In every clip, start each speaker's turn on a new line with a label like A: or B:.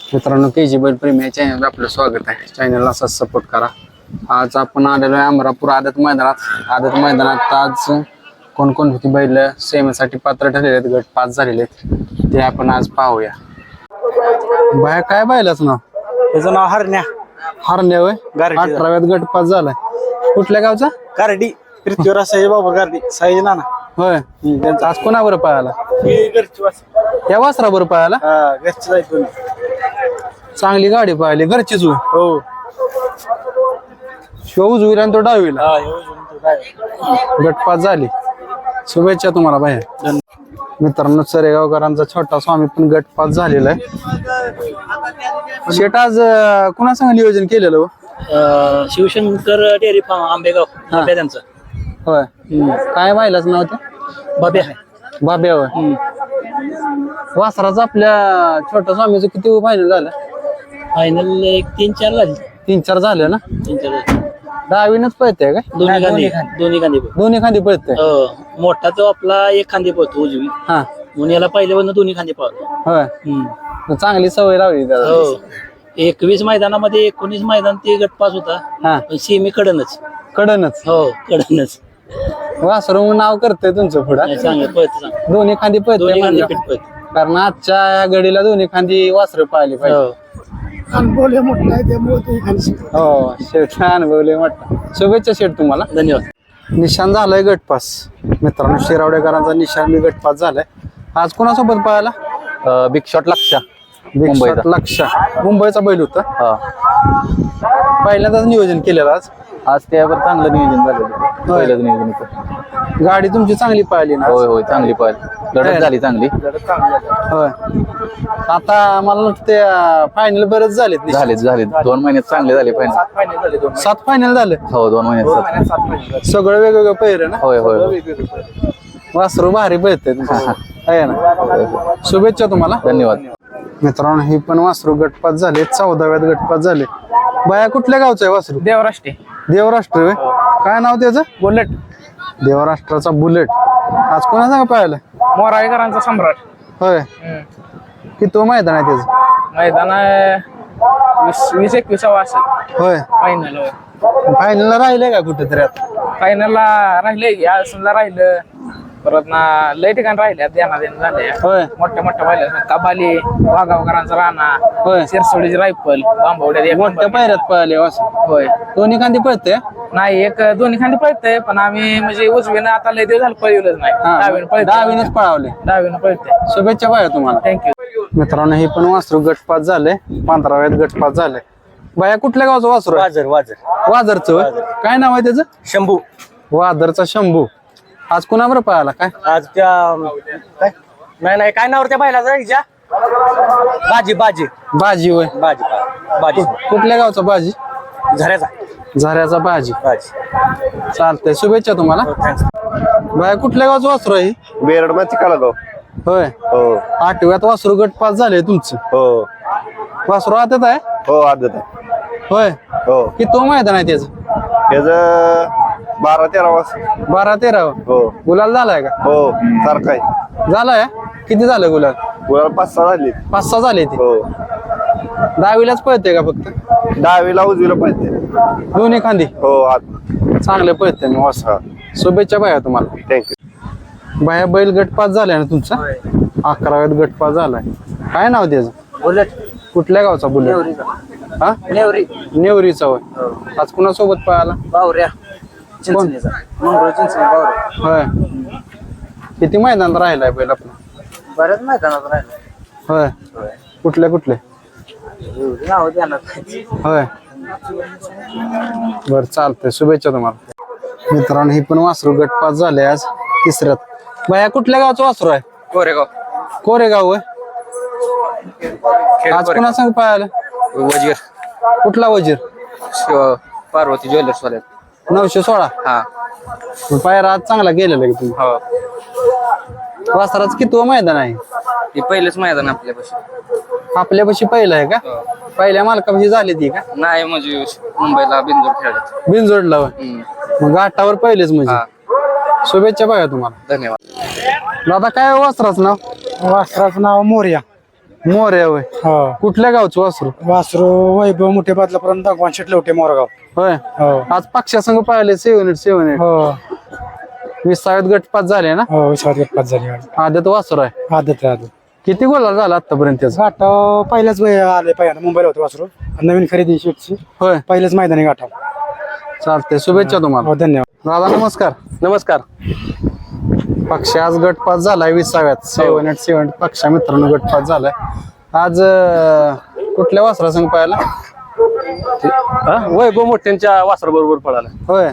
A: मित्रांनो KG बैल प्रेमी या चॅनल आपलं स्वागत आहे. चॅनलला असाच सपोर्ट करा. आज आपण आलेलो आहे अमरापूर आदत मैदानात आज कोणकोणती बैल सेमीसाठी पात्र ठरलेले आहेत, गट 5 झालेले आहेत, ते आपण आज पाहूया. बाया काय बैलाचं नाव?
B: त्याचं नाव हरण्या.
A: हरण्या होय.
B: गारडी.
A: 18व्यात गट 5 झालाय. कुठल्या गावचा?
B: गारडी. पृथ्वीराज साई बाबा गारडी साई नाना.
A: होय. आज कोणाबरोबर पाहायला?
B: घरची वास.
A: या वासराबरोबर पाहायला?
B: घरची जायचं.
A: चांगली गाडी पाहिली, घरचीच होय.
B: हो.
A: शिव उजवीला आणि तो डावीला. गट 5 झाली. शुभेच्छा तुम्हाला बाहेर. मित्रांनो सरेगावकरांचा छोटा स्वामी पण गट 5 झालेला आहे. शेट आज कुणा संग नियोजन केलेलं हो?
B: शिवशंकर डेअरी फार्म आंबेगाव त्यांचं.
A: होय. काय व्हायलाच नाव ते?
B: बाब्या.
A: बाब्या होय. वासराचं आपल्या छोट्या स्वामीचं किती फायनल झालं?
B: फायनल एक 3-4 झाली.
A: 3-4 झालं ना?
B: 3-4
A: डावीनच पळते काय?
B: दोन्ही
A: खांदी पळते.
B: मोठा तो आपला एक खांदी पळतो उजवी.
A: हा.
B: म्हणून याला पहिल्यापासून दोन्ही खांदी पळतो.
A: होय. चांगली सवय लावली त्याला.
B: हो. 21 मैदानामध्ये 19 मैदान ते गट 5 होता.
A: हा.
B: सेमी कडनच.
A: हो
B: कडनच.
A: वासरू नाव करतंय तुमचं पुढं.
B: चांगलं पळत.
A: दोन्ही खांदी
B: दोन्ही खांदी
A: पळते
B: पीठ पळत.
A: कारण आजच्या घडीला दोन्ही खांदी वासरं पाहिली पाहिजे. हो शेठ अनुभवले म्हटलं. शुभेच्छा शेठ तुम्हाला.
B: धन्यवाद.
A: निशान झालाय गट 5. मित्रांनो शिरावडेकरांचा निशान बी गट 5 झालाय. आज कोणासोबत पाहायला?
C: बिग शॉट लक्षा.
A: लक्ष मुंबईचा बैल होता. पहिल्यांदाच नियोजन केलेलं
C: आज त्यावर चांगलं नियोजन झालेलं. पहिलंच नियोजन होतं.
A: गाडी तुमची चांगली पाहिली ना?
C: होय चांगली पाहिली. लढत झाली चांगली.
A: होय. आता मला वाटतं फायनल बरेच झालेत.
C: झाले 2 महिन्यात चांगले झाले फायनल.
A: 7 फायनल झाले.
C: हो 2 महिन्यात.
A: सगळं वेगवेगळं पहिरं ना?
C: होय
A: वासरू भारी पळते आहे ना? शुभेच्छा तुम्हाला.
C: धन्यवाद.
A: मित्रांनो ही पण वासरू गट 5 झाले. 14व्यात गट 5 झाले. बाया कुठल्या गावचं आहे वासरू?
B: देवराष्ट्रे.
A: देवराष्ट्र होय. काय नाव त्याचं?
B: बुलेट.
A: देवराष्ट्राचा बुलेट. आज कोणा सांगा पाहिलं?
B: मोराळेकरांचा सम्राट.
A: होय. किती मैदान आहे त्याचं?
B: मैदान 20-21 असेल.
A: होय.
B: फायनल.
A: फायनलला राहिले का कुठेतरी? आता
B: फायनलला राहिले. या समजा राहिलं. परत ना लय ठिकाण राहिले. देना झाले.
A: होय.
B: मोठ्या पाहिल्या कबाली वाघावकरांचा राणा.
A: होय.
B: सिरसोडीची रायफल बांबवड्यात
A: मोठ्या पायऱ्यात पळाले वासरू.
B: होय.
A: दोन्ही खांदी पळते.
B: नाही एक दोन्ही खांदी पळतंय पण आम्ही म्हणजे उजवीनं आता लय दिवस झालं पळवलंच नाही. डावीनं पळतंय.
A: डावीनच पळावले.
B: डावीनं पळतंय.
A: शुभेच्छा बाया तुम्हाला.
B: थँक्यू.
A: मित्रांनो हे पण वासरू गट 5 झाले. 15व्यात गट 5 झाले. बाया कुठल्या गावचं वासरू आहे? वाजरचं होय. काय नाव आहे त्याचं?
B: शंभू.
A: वादरचा शंभू. आज कुणाबरोबर पळाला काय?
B: आज त्या नाही काय नावर त्या बायला
A: बाजी होय.
B: बाजी
A: कुठल्या गावचा बाजी? झऱ्याचा बाजी. चालतंय शुभेच्छा तुम्हाला. बाया कुठल्या गावचं वासरू आहे?
D: बेरड मध्ये काळगाव.
A: होय.
D: हो
A: 8व्यात वासरू गट 5 झाले तुमचं.
D: हो
A: वासरू आतात आहे.
D: हो आदत आहे.
A: होय.
D: हो
A: किती मैदान आहे त्याचं?
D: त्याच 12-13 वाज.
A: 12-13.
D: हो
A: गुलाल झालाय का?
D: हो सारखा आहे.
A: झालाय. किती झालं गुलाल?
D: 5-6 झाली.
A: 5-6 झाले ते.
D: हो
A: दहावीलाच पळते का फक्त?
D: 10वीला उजवीला पाहिजे.
A: दोन्ही खांदी.
D: हो आत.
A: चांगले पळते मी वासरा. शुभेच्छा बाया तुम्हाला.
D: थँक्यू.
A: बाया बैल गट 5 झालाय ना तुमचा? 11व्यात गट 5 झालाय. काय नाव त्याचं?
B: बुलेट.
A: कुठल्या गावचा बुलेट? हा नेवरीचा होय. आज कुणासोबत पळाला?
B: बावऱ्या.
A: चिंचणीचा.
B: मंगळ चिंचणी बावऱ्या.
A: होय. किती मैदान राहिलाय बैल आपला?
B: बऱ्याच मैदानात राहिलं.
A: होय. कुठले
B: एवढी नाव देणार.
A: होय. बर चालतंय शुभेच्छा तुम्हाला. मित्रांनो ही पण वासरू गट 5 झाले आज 3ऱ्यात. बाया कुठल्या गावचं वासरू आहे? कोरेगाव होय. आज कुणा सांग पाहायला?
C: वजीर.
A: कुठला वजीर?
C: पार्वती ज्वेलर्स वाल्यात.
A: 916.
C: हा.
A: पायरा आज चांगला गेलेला की तुम्ही?
C: हो
A: वासराचं किती मैदान आहे?
C: ते पहिलंच मैदान आपल्यापाशी.
A: आपल्यापाशी पहिलं आहे का? पहिल्या मालकापाशी झाली ती का?
C: नाही म्हणजे मुंबईला बिंदूर खेळत.
A: बिनजोडला होय. मग घाटावर पहिलेच म्हणजे. शुभेच्छा बघा तुम्हाला.
C: धन्यवाद.
A: दादा काय वासराचं नाव?
B: वासराचं नाव मोर्या.
A: मोरे होय
E: हो
A: कुठल्या गावचं वासरू
E: वासरू वैभव मोठे बादलापर्यंत भगवान शेटलवटे मोरगाव
A: होय
E: हो
A: आज पक्षासंघ पाहिले 7-8
E: हो
A: 20 गटपात झाले ना
E: हो विश्वास गटपात झाली
A: आदत वासरू आहे
E: आदत आहे आदत
A: किती गोला झाला आतापर्यंत त्याचा
E: गाठाव पहिल्याच आले पहिल्यांदा मुंबईला होते वासरू नवीन खरेदी शेटची
A: होय
E: पहिलेच मैदानी गाठाव
A: चालते शुभेच्छा तुम्हाला
E: हो धन्यवाद
A: दादा नमस्कार
C: नमस्कार.
A: पक्ष आज गटपात झालाय 20व्यात 7-8 पक्षा मित्रांनो गटपात झालाय आज कुठल्या वासरासंघ पाहायला
C: वैभव मोठ्यांच्या वासरा बरोबर पळाला.
A: होय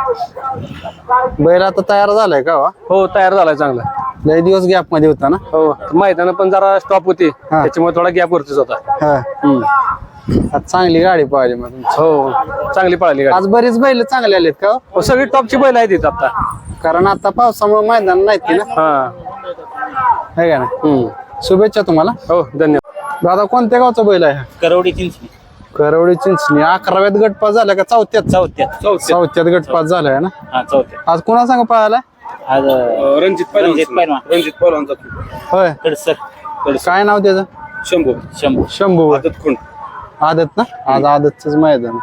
A: बैल आता तयार झालाय का
C: हो तयार झालाय चांगला.
A: लय दिवस गॅप मध्ये होता ना
C: हो मैदान पण जरा स्टॉप होती त्याच्यामुळे थोडा गॅप वरतीच होता.
A: आज चांगली गाडी पाहिली मग तुमची.
C: हो चांगली पळाली गाडी.
A: आज बरीच बैल चांगले आलेत का
C: हो, सगळी टॉपची बैल आहेत इथं आता.
A: कारण आता पावसामुळे मैदान नाहीत की ना
C: हा
A: है का ना शुभेच्छा तुम्हाला
C: हो धन्यवाद.
A: दादा कोणत्या गावचा बैल आहे
B: करवडी चिंचणी
A: करवडी चिंचणी 11व्यात गटपास झाला का चौथ्यात गटपास झालाय ना
B: हा चौथ्या
A: आज कोणा सांग पाहायला
B: आज रणजित पहिलवान
A: होय
B: कडसर
A: काय नाव त्याचं
B: शंभू
A: शंभू होय. आदत ना आज आदतच मैदान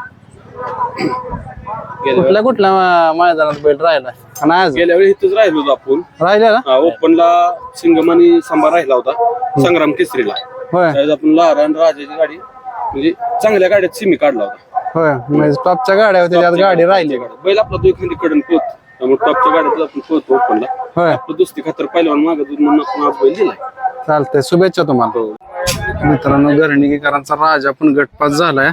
A: कुठल्या मैदानात बैल राहिलाय आणि आज
F: गेल्या वेळी इथंच राहिलो होतो आपण
A: राहिला ना
F: ओपनला सिंगम आणि सांबा राहिला होता संग्राम केसरीला.
A: होय
F: त्यावेळेस आपण लहान आणि राजाची गाडी म्हणजे चांगल्या गाड्यात सिमी काढला होता.
A: होय म्हणजे टॉपच्या गाड्या होत्या त्यात गाडी राहिली
F: बैल आपला तो एखादी कडन पोहत त्यामुळे टॉपच्या गाड्यात आपण पोहतो ओपनला.
A: होय
F: आपलं दुसरी खातर पहिलवान मागत म्हणून आपण आज बैल दिलाय.
A: चालतंय शुभेच्छा तुम्हाला मित्रांनो गर्णिकेकरांचा राजा पण गटपास झालाय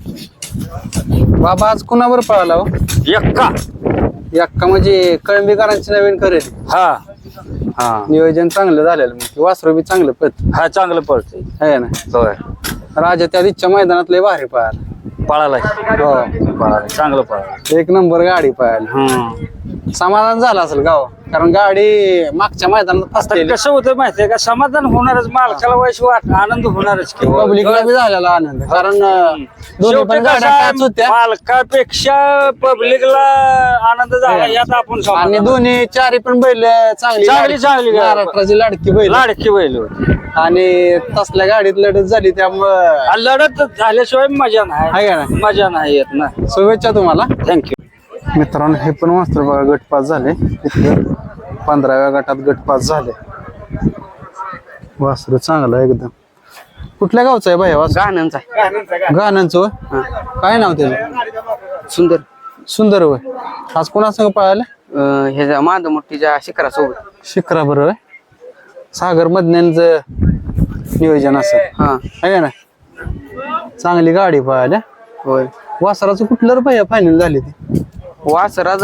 A: बाबा आज कुणावर पळाला हो एक्का म्हणजे कळंबीकरांची नवीन खरेदी
C: हा
A: नियोजन चांगलं झालेलं मग वासरू बी चांगलं पळत
C: हा चांगलं पळतंय.
A: आहे ना
C: होय
A: राजा त्या दिवशीच्या मैदानात लय भारी पळाला
C: पळालाय
A: हो
C: पळालाय चांगलं पळाला.
A: 1 नंबर गाडी पळायला समाधान झालं असेल गाव कारण गाडी मागच्या मैदानात फसलेली
B: कसं होतं माहितीये का समाधान होणारच मालकाला वयस वाट आनंद होणारच की
A: पब्लिकला बी झालेला आनंद कारण दोन्ही पण गाड्या टच होत्या
B: मालकापेक्षा पब्लिकला आनंद झाला यात आपण
A: आणि दोन्ही चारी पण बैल चांगली
B: चांगली गाडी.
A: महाराष्ट्राची लाडकी बैल
B: लाडकी बैल होती
A: आणि तसल्या गाडीत लढत झाली त्यामुळं
B: लढत झाल्याशिवाय मजा नाही
A: आहे का ना
B: मजा नाही येत ना.
A: शुभेच्छा तुम्हाला
B: थँक्यू.
A: मित्रांनो हे पण वास्त्र बघा गटपास झाले इथं 15व्या गटात गटपास झाले वास्त्र चांगलं आहे एकदम कुठल्या गावचं आहे भाई
B: गाण्यांचा
A: गाण्यांचं होय? काय नाव त्याचं सुंदर होय आज कोणासंग पळालं
B: हे माधव मोठीच्या शिखरासोबत
A: शिखरा बरोबर सागर मधन्यांचं नियोजन असं आहे ना चांगली गाडी पळाल्या
B: होय
A: वासराचं कुठलं रुपये फायनल झाली ती
B: वासराज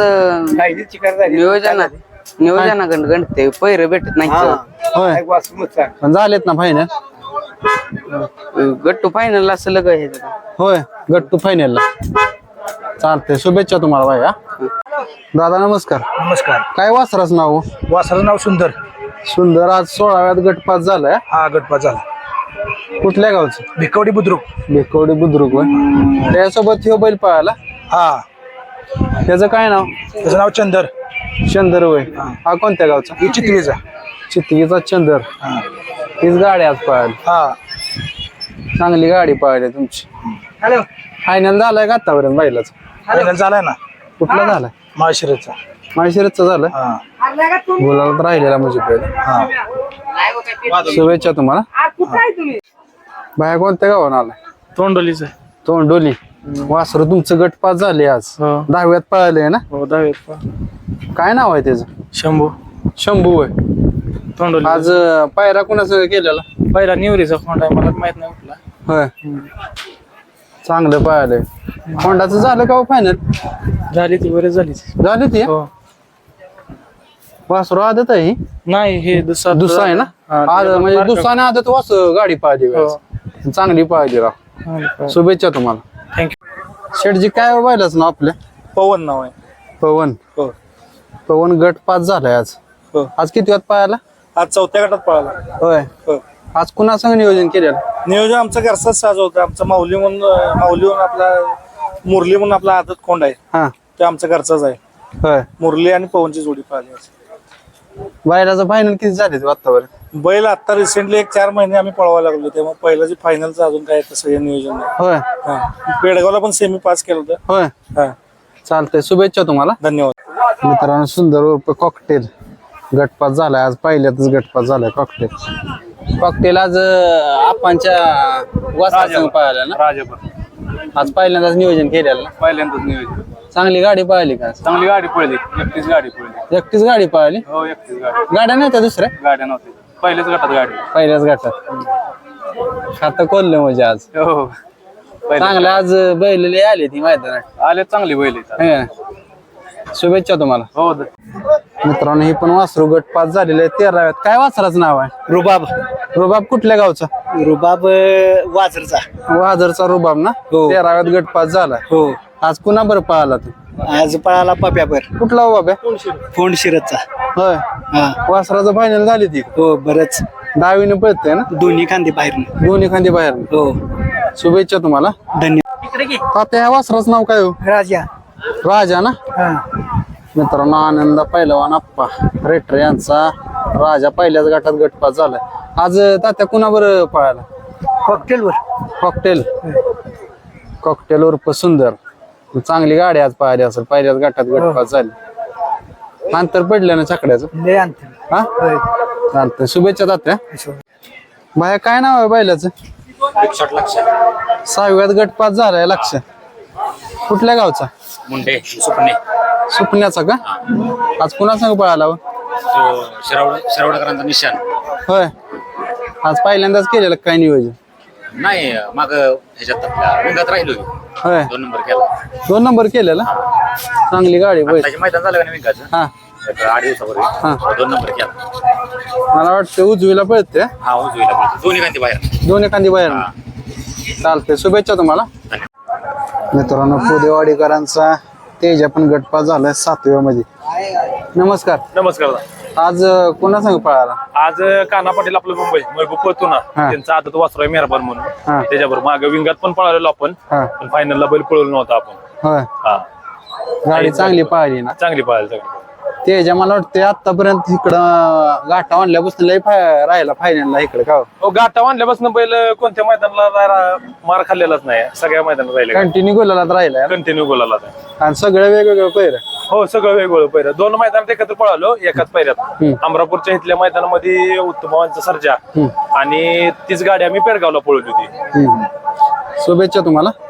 B: नियोजनाकडे गणते पैर भेटत नाही
A: होय पण झालेत ना फायनल
B: गट्टू फायनल असं का हे
A: होय गट्टू फायनलला चालतंय शुभेच्छा तुम्हाला भाई दादा नमस्कार
E: नमस्कार
A: काय वासराचं नाव
E: वासराचं नाव सुंदर
A: सुंदर आज 16व्यात गटपास झालाय
E: हा गटपात झाला
A: कुठल्या गावचं
E: भिकवडी बुद्रुक
A: बेकवडी बुद्रुक होय त्यासोबत ह्यो बैल पळाला
E: हा
A: त्याचं काय नाव
E: त्याचं नाव चंदर
A: चंदर होय हा कोणत्या गावचा
E: ही चितळीचा
A: चितगीचा चंदर हीच गाडी आज पळाली
E: हा
A: चांगली गाडी पळाली तुमची फायनल झालाय का आतापर्यंत बैलाच
E: फायनल झालाय ना
A: कुठला झालाय
E: माळशिरसचा
A: माळशिरसचा झालाय
E: हा
A: बोलायला तर राहिलेला म्हणजे पहिला शुभेच्छा तुम्हाला बाया कोणत्या गावात आलाय
C: तोंडोलीच
A: तोंडोली वासरू तुमचं गटपास झाले आज 10व्यात पळाले ना
C: हो दहावीत
A: काय नाव आहे त्याचं
C: शंभू
A: शंभू होय
C: तोंडोली
A: आज पायरा कोणासंग केलेला
C: पहिला निवरीचा फोन आहे मला माहित नाही कुठला.
A: होय चांगलं पळालंय होंडाचं झालं का फायनल
C: झाली ती बरेच झाली
A: झाली ती
C: हो
A: वासरू आदत आहे ही?
C: नाही हे
A: दुसरा आहे ना आज म्हणजे दुसरा आदत वास गाडी पाहिली चांगली पाहिली राव शुभेच्छा तुम्हाला
C: थँक्यू.
A: शेठजी काय व्हायलाच ना आपल्या
C: पवन नाव आहे.
A: पवन
C: हो
A: पवन गट पास झालाय आज
C: हो
A: आज किती वाजता पाहायला
C: आज 4थ्या गटात पळाला.
A: होय
C: हो
A: आज कुणा संग नियोजन केलेलं
C: नियोजन आमचा घरचाच साज होता. आमचा माऊली म्हणून आपला मुरली म्हणून आपला आदत कोंड आहे
A: हा
C: ते आमचा घरचाच आहे.
A: होय
C: मुरली आणि पवनची जोडी पाहिली.
A: बायलाचं फायनल किती झाले आतापर्यंत
C: बैल आता रिसेंटली 4 महिने आम्ही पळवायला लागलो त्यामुळे पहिलं जे फायनलचं अजून काय तसं हे नियोजन नाही.
A: होय
C: हा. पेडगावला पण सेमी पास केलं होतं.
A: होय
C: हा.
A: चालतंय, शुभेच्छा तुम्हाला.
C: धन्यवाद.
A: मित्रांनो, सुंदर उर्फ कॉकटेल गटपास झालाय आज, पहिल्यातच गटपास झालाय कॉकटेल आज आपांच्या वासरासंग पाहिला ना,
F: राजापूर
A: आज पहिल्यांदाच नियोजन केलेलं ना.
F: पहिल्यांदाच नियोजन.
A: चांगली गाडी पाहिली का?
F: चांगली गाडी पळली, एकटीच गाडी पळली.
A: एकटीच गाडी पाहिली?
F: हो, एकटीच गाडी.
A: गाड्या नव्हत्या दुसऱ्या?
F: गाड्या नव्हत्या, पहिल्याच गटात गाडी.
A: पहिल्याच गटात खातं खोललं म्हणजे आज.
F: हो,
A: चांगलं आज बैल आली ती मैदानात.
F: आले चांगली बैल आहेत.
A: शुभेच्छा तुम्हाला.
F: हो.
A: मित्रांनो, ही पण वासरू गटपास झालेले आहे 13व्यात. काय वासराचं नाव आहे?
E: रुबाब
A: रुबाब कुठल्या गावचा?
E: रुबाब वाजरचा.
A: वाजरचा रुबाब ना.
E: हो.
A: 13व्यात गटपास झालाय.
E: हो.
A: आज पुन्हा बरं पाहिला तू?
E: आज पळाला पप्यावर
A: कुठला हो बाब्या?
E: फोंड शिरतचा.
A: होय,
E: हा.
A: वासराचं फायनल झाली ती.
E: हो, बरंच
A: डावीने पळते ना,
E: दोन्ही खांदे बाहेर.
A: दोन्ही खांदी बाहेर.
E: हो.
A: शुभेच्छा तुम्हाला.
E: धन्यवाद.
A: आता ह्या वासराचं नाव काय हो?
E: राजा.
A: राजा ना.
E: हा.
A: मित्रांनो, आनंद पहिलवान आप्पा रेटर यांचा राजा पहिल्याच गटात गटपास झालाय. आज तात्या कुणाबर पळाला?
E: कॉकटेलवर.
A: कॉकटेल उर्फ सुंदर. चांगली गाडी आज पाहिली असेल, पहिल्याच गटात गटपास झाली. अंतर पडलं ना छकड्याचं.
E: लय अंतर.
A: हा, चालतंय, शुभेच्छा तात्या. बाया, काय नाव आहे बैलाचं? 6व्यात गटपास झालाय. लक्ष कुठल्या गावचा?
G: मुंडे सुपणे
A: सुपण्याचा का? आज कुणा संग पळाला हो?
G: शिरावडकरांचा निशाण.
A: होय, आज पहिल्यांदाच केलेलं काय नियोजन?
G: नाही, मग ह्याच्यात आपल्या विंगात राहिलो.
A: होय,
G: 2 नंबर केला.
A: 2 नंबर केलेला. चांगली गाडी बैल.
G: त्याचे मैदान झालं का नाही विंगाचं?
A: हा,
G: 8 दिवसापूर्वी 2 नंबर केला.
A: मला वाटतं उजवीला पळते.
G: हा, उजवीला पळतो. दोन्ही कांती बाहेर.
A: दोन्ही एखादी बाहेर. चालतंय, शुभेच्छा तुम्हाला. मित्रांनो, पुदेवाडीकरांचा तेजा पण गटपास झालाय 7व्या मध्ये. नमस्कार.
F: नमस्कार.
A: आज कोणा संग पळाला?
F: आज कान्हा पाटील आपलं मुंबई महबूब पळतो ना,
A: हा.
F: त्यांचा आदत वासरू आहे मेहरबान
A: हा.
F: म्हणून. त्याच्याबरोबर मागे विंगात पण पळालेलो आपण,
A: हा.
F: पण फायनलला बैल पळवलो नव्हता आपण.
A: होय,
F: हा,
A: गाडी चांगली पाहिली ना.
F: चांगली पळाली.
A: तेजा मला वाटतं आतापर्यंत इकडं गाठा आणल्यापासून लय राहिला फायनलला इकडे का?
F: हो, गाठा बांधल्यापासून बैल कोणत्या मैदानाला मार खाल्लेलाच नाही, सगळ्या मैदानात राहिले.
A: कंटिन्यू गोलाला राहिलाय
F: कंटिन्यू गोलाला.
A: आणि सगळे वेगवेगळे पैर.
F: हो, सगळं वेगवेगळं पहिरं. 2 मैदानात एकत्र पळालो एकाच पैऱ्यात. अमरापूरच्या इथल्या मैदानामध्ये उत्तमावांचा सर्जा आणि तीच गाडी आम्ही पेडगावला पळवली होती.
A: शुभेच्छा तुम्हाला.